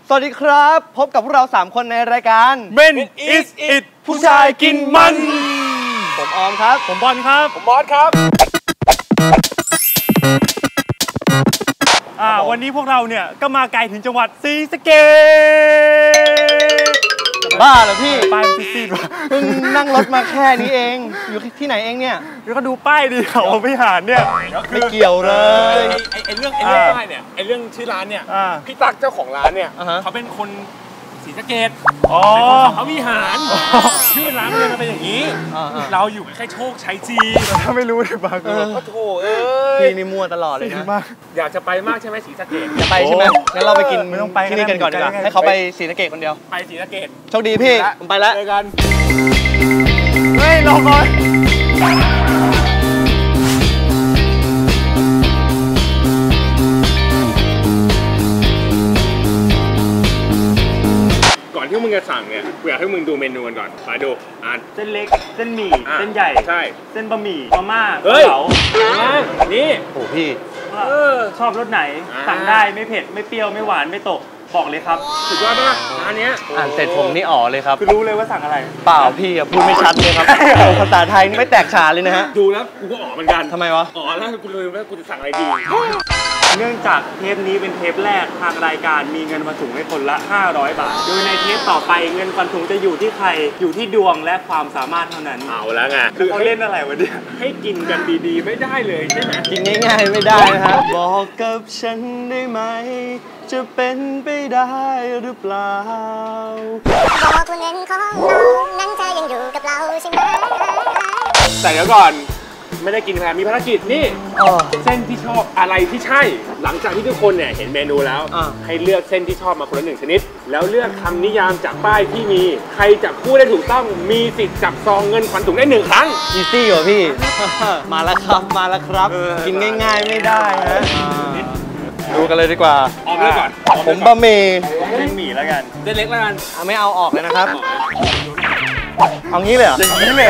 สวัสดีครับพบกับพวกเรา3คนในรายการ Men is it ผู้ชายกินมันผมออมครับผมบอลครับผมบอสครับวันนี้พวกเราเนี่ยก็มาไกลถึงจังหวัดศรีสะเกษบ้าเหรอพี่ป้ายมันซีดๆว่ะนั่งรถมาแค่นี้เองอยู่ที่ไหนเองเนี่ยแล้วก็ดูป้ายดิเขาไม่หานเนี่ยไม่เกี่ยวเลยไอ้เรื่องป้ายเนี่ยไอ้เรื่องชื่อร้านเนี่ยพี่ตั๊กเจ้าของร้านเนี่ยเขาเป็นคนศรีสะเกษเขามีหารชื่อร้านเลยมันเป็นอย่างนี้เราอยู่แค่โชคชัยจีถ้าไม่รู้เลยบางคนก็โถพี่นี่มั่วตลอดเลยนะอยากจะไปมากใช่ไหมศรีสะเกษจะไปใช่ไหมงั้นเราไปกินที่นี่กันก่อนดีกว่าให้เขาไปศรีสะเกษคนเดียวไปศรีสะเกษโชคดีพี่ผมไปแล้วเจอกันเฮ้ยรอก่อนที่มึงจะสั่งเนี่ยกูอยากให้มึงดูเมนูกันก่อนมาดูเส้นเล็กเส้นหมี่เส้นใหญ่ใช่เส้นบะหมี่มาม่าเก๋านี่โอ้พี่ชอบรสไหนสั่งได้ไม่เผ็ดไม่เปรี้ยวไม่หวานไม่ตกบอกเลยครับสุดยอดมากร้านนี้อ่านเสร็จผมนี่อ๋อเลยครับคือรู้เลยว่าสั่งอะไรเปล่าพี่พูดไม่ชัดเลยครับภาษาไทยไม่แตกฉานเลยนะฮะดูแล้วกูก็อ๋อเหมือนกันทำไมวะอ๋อแล้วกูเลยว่ากูจะสั่งอะไรดีเนื่องจากเทปนี้เป็นเทปแรกทางรายการมีเงินมาถุงให้คนละ500 บาทโดยในเทปต่อไปเงินฟันถุงจะอยู่ที่ใครอยู่ที่ดวงและความสามารถเท่านั้นเอาแล้วไงคือเขาเล่นอะไรวะเนี่ยให้กินกันดีๆไม่ได้เลยใช่ไหมกินง่ายๆไม่ได้นะฮะบอกกับฉันได้ไหมจะเป็นไปได้หรือเปล่าบอกว่าเงินของเรานั้นเธอยังอยู่กับเราใช่ไหมแต่เดี๋ยวก่อนไม่ได้กินแพรมีภารกิจนี่เส้นที่ชอบอะไรที่ใช่หลังจากที่ทุกคนเนี่ยเห็นเมนูแล้วให้เลือกเส้นที่ชอบมาคนละ1 ชนิดแล้วเลือกคำนิยามจากป้ายที่มีใครจับคู่ได้ถูกต้องมีสิทธิ์จับซองเงินขวัญถุงได้1 ครั้งอีซี่เหรอพี่ มาแล้วครับมาแล้วครับกินง่ายๆไม่ได้ฮะดูกันเลยดีกว่าออกเลยก่อนผมบะหมี่เส้นหมี่แล้วกันเส้นเล็กแล้วกันไม่เอาออกเลยนะครับเอางี้เลยเหรออย่างนี้เลย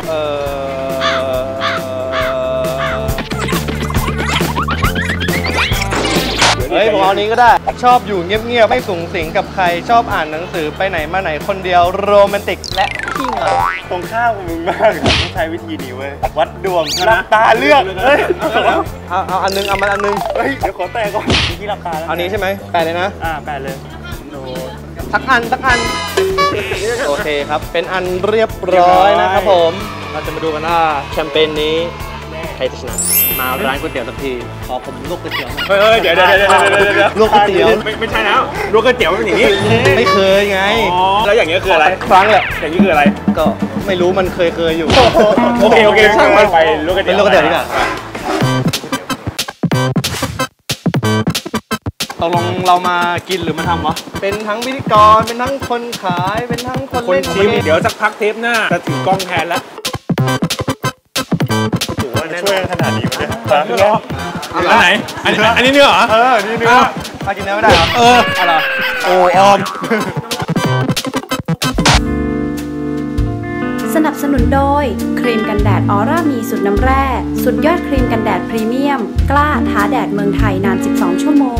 เฮ้ยผมเอานี้ก็ได้ชอบอยู่เงียบๆไม่สูงสิงกับใครชอบอ่านหนังสือไปไหนมาไหนคนเดียวโรแมนติกและขี้เหงาตรงข้ามกับมึงมากต้องใช้วิธีนี้เว้ยวัดดวงหลับตาเลือกเฮ้ยเอาอันนึงเอามันอันนึงเฮ้ยเดี๋ยวขอแตะก่อนที่หลับตาแล้วเอานี้ใช่ไหมแปะเลยนะแปะเลยสักอันโอเคครับเป็นอันเรียบร้อยนะครับผมเราจะมาดูกันว่าแคมเปญนี้ใครจะชนะมาร้านก๋วยเตี๋ยวสักทีขอผมลวกก๋วยเตี๋ยวเดี๋ยวลวกก๋วยเตี๋ยวไม่ใช่แล้วลวกก๋วยเตี๋ยวเป็นอย่างนี้ไม่เคยไงแล้วอย่างนี้คืออะไรครั้งแหละอย่างนี้คืออะไรก็ไม่รู้มันเคยอยู่โอเคช่างมันไปลวกก๋วยเตี๋ยวดีกว่าตกลงเรามากินหรือมาทำวะเป็นทั้งพิธีกรเป็นทั้งคนขายเป็นทั้งคนเล่นชิมเดี๋ยวสักพักเทปหน้าจะถือกล้องแทนแล้วช่วยขนาดนี้มั้ยเนี่ยอันไหนอันนี้เนื้อเหรอนี่เนื้อมากินเนื้อไม่ได้เหรออะไรโอ้ออมสนับสนุนโดยครีมกันแดดออร่ามีสูตรน้ำแร่สุดยอดครีมกันแดดพรีเมียมกล้าท้าแดดเมืองไทยนาน12 ชั่วโมง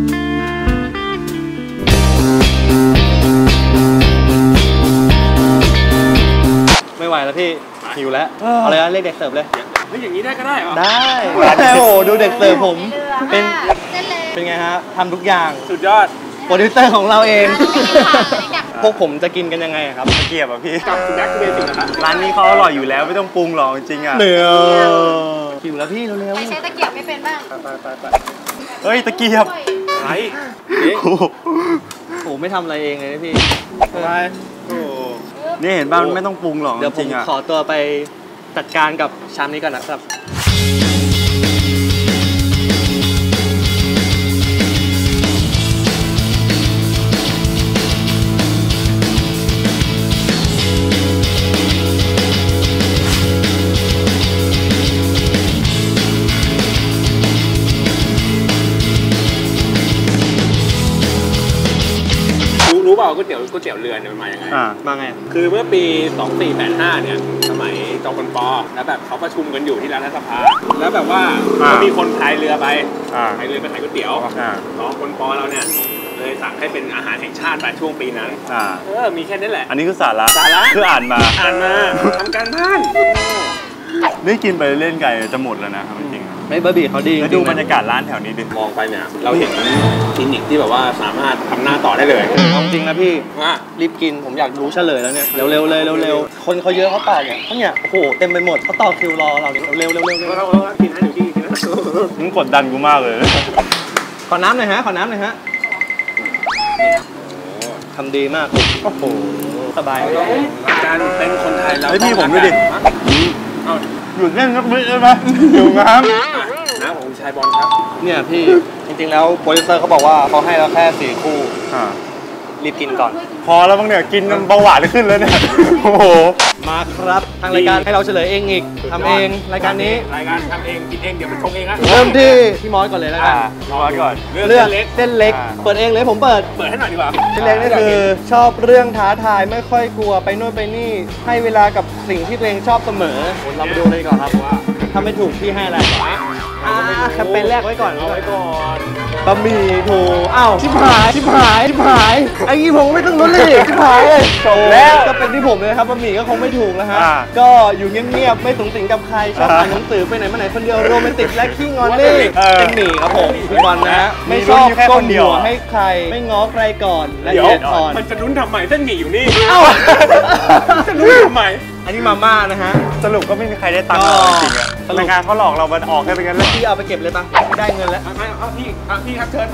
ไม่ไหวแล้วพี่หิวแล้วเอาเลยนะเรียกเด็กเสิร์ฟเลยอย่างนี้ได้ก็ได้เหรอได้โอ้โหดูเด็กเสิร์ฟผมเป็นไงฮะทำทุกอย่างสุดยอดโปรดิวเซอร์ของเราเองพวกผมจะกินกันยังไงครับตะเกียบอ่ะพี่กับแบ็คเบสิกนะร้านนี้เขาอร่อยอยู่แล้วไม่ต้องปรุงหรอกจริงอ่ะเนื้อหิวแล้วพี่เร็วๆใครใช้ตะเกียบไม่เป็นบ้างไปเฮ้ยตะเกียบไอ้โหไม่ทำอะไรเองเลยนะพี่ไปนี่เห็นบ้างไม่ต้องปรุงหรอกเดี๋ยวผมขอตัวไปจัดการกับชามนี้ก่อนนะครับรู้เปล่าก๋วยเตี๋ยวเรือเนี่ยมันมายังไงมาไงคือเมื่อปี2485เนี่ยสมัยจอมพลป.แล้วแบบเขาประชุมกันอยู่ที่รัฐสภาแล้วแบบว่ามีคนพายเรือไปพายเรือไปขายก๋วยเตี๋ยวจอมพลป.เราเนี่ยเลยสั่งให้เป็นอาหารแห่งชาติไปช่วงปีนั้นมีแค่นี้แหละอันนี้คือสาระสาระคืออ่านมาทำการบ้านได้กินไปเล่นไก่จะหมดแล้วนะครับจริงๆไม่บะหมี่เขาดีแล้วดูบรรยากาศร้านแถวนี้ดิมองไปเนี่ยเราเห็นคลินิกที่แบบว่าสามารถทำหน้าต่อได้เลยเอาจริงนะพี่ว่ารีบกินผมอยากรู้เฉลยแล้วเนี่ยเร็วๆเลยเร็วๆคนเขาเยอะเขาต่อเนี่ยเขาเนี่ยโอ้โหเต็มไปหมดเขาต่อคิวรอเราเนี่ยเร็วๆเรากินให้ดูที่กินนะมึงกดดันกูมากเลยขอน้ำหน่อยฮะทำดีมากโอ้โหสบายเลยการเป็นคนไทยแล้วพี่ผมด้วยดิหยุดเล่นสักนิดได้ไหมหิวน้ำน้ำของคุณชายบอลครับเนี่ยพี่จริงๆแล้วโปรดิวเซอร์เขาบอกว่าเขาให้เราแค่4 คู่รีบกินก่อนพอแล้วบ้างเนี่ยกินเบาหวานขึ้นแล้วเนี่ยโอ้โหมาครับทางรายการให้เราเฉลยเองอีกทำเองรายการนี้รายการทำเองกินเองเดี๋ยวมันชงเองนะเริ่มที่พี่มอสก่อนเลยแล้วกันมอสก่อนเรื่องเส้นเล็กเปิดเองเลยผมเปิดให้หน่อยดีกว่าเส้นเล็กนี่คือชอบเรื่องท้าทายไม่ค่อยกลัวไปโน่นไปนี่ให้เวลากับสิ่งที่ตัวเองชอบเสมอเรามาดูเลยก่อนครับว่าถ้าไม่ถูกพี่ให้อะไรแคมเปญแรกไว้ก่อนบะหมี่ถูกอ้าวชิบหายไอ้ยี่ผมไม่ต้องลุ้นเลยชิบหายเลยจบแล้วก็เป็นที่ผมเลยครับบะหมี่ก็คงไม่ถูกนะฮะก็อยู่เงียบๆไม่สูงสิงกับใครชอบอ่านหนังสือไปไหนมาไหนคนเดียวโรแมนติกและขี้งอนนี่เป็นหมี่ครับผมพี่บอลนะฮะไม่ชอบก้มหัวให้ใครไม่ง้อใครก่อนและเย็ดอ่อนมันจะลุ้นทำไมเส้นหมี่อยู่นี่เอ้าจะลุ้นทำไมอันนี้มาม่านะฮะสรุปก็ไม่มีใครได้ตังค์จริงอะรายการเขาหลอกเรามันออกแค่เป็นกันแล้วพี่เอาไปเก็บเลยปะได้เงินแล้วพี่ครับเชิญ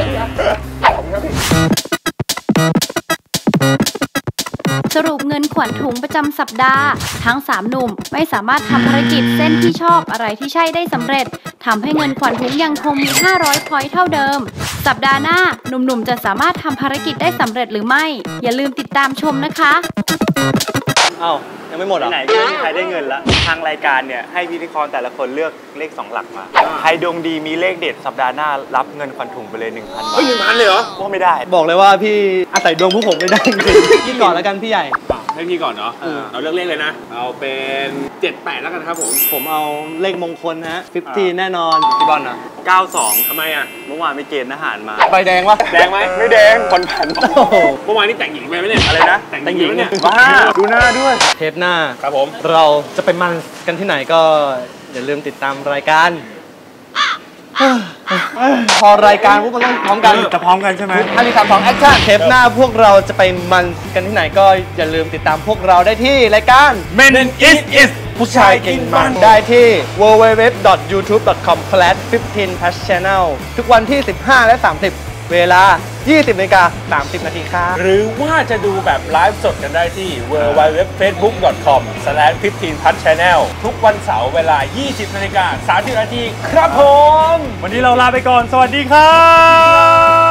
สรุปเงินขวัญถุงประจำสัปดาห์ทั้ง3หนุ่มไม่สามารถทำภารกิจเส้นที่ชอบอะไรที่ใช่ได้สำเร็จทำให้เงินขวัญถุงยังคงมี500 พอยต์เท่าเดิมสัปดาห์หน้าหนุ่มๆจะสามารถทำภารกิจได้สำเร็จหรือไม่อย่าลืมติดตามชมนะคะอ้าวยังไม่หมดอ่ะไหนก็ไม่มีใครได้เงินละทางรายการเนี่ยให้พิธีกรแต่ละคนเลือกเลข2 หลักมาใครดวงดีมีเลขเด็ดสัปดาห์หน้ารับเงินขวัญถุงไปเลย 1,000 บาทเฮ้ย 1,000 เลยเหรอว่าไม่ได้บอกเลยว่าพี่อาศัยดวงผู้ผมไม่ได้จริงๆพี่ก่อนแล้วกันพี่ใหญ่ให้พี่ก่อนเนาะเอาเลือกเลขเลยนะเอาเป็น78แล้วกันครับผมเอาเลขมงคลฮะ50แน่นอนพี่บอลนะ 92 ทำไมอ่ะเมื่อวานไปเกณฑ์อาหารมาใบแดงวะแดงไหมไม่แดงคนผันเมื่อวานนี่แต่งหญิงไปไหมเนี่ยอะไรนะแต่งหญิงเนี่ยว้าดูหน้าด้วยเทปหน้าครับผมเราจะไปมันกันที่ไหนก็อย่าลืมติดตามรายการพอรายการพวกเราต้องพร้อมกันจะพร้อมกันใช่ไหม 1 2 3 2แอคชั่นเทปหน้าพวกเราจะไปมันกันที่ไหนก็อย่าลืมติดตามพวกเราได้ที่รายการ Men is ผู้ชายกินมันได้ที่ www.youtube.com/15pluschannel ทุกวันที่15และ30เวลา 20:30 น.ครับหรือว่าจะดูแบบไลฟ์สดกันได้ที่ www.facebook.com/15pluschannel ทุกวันเสาร์เวลา 20:30 น.ครับผมวันนี้เราลาไปก่อนสวัสดีครับ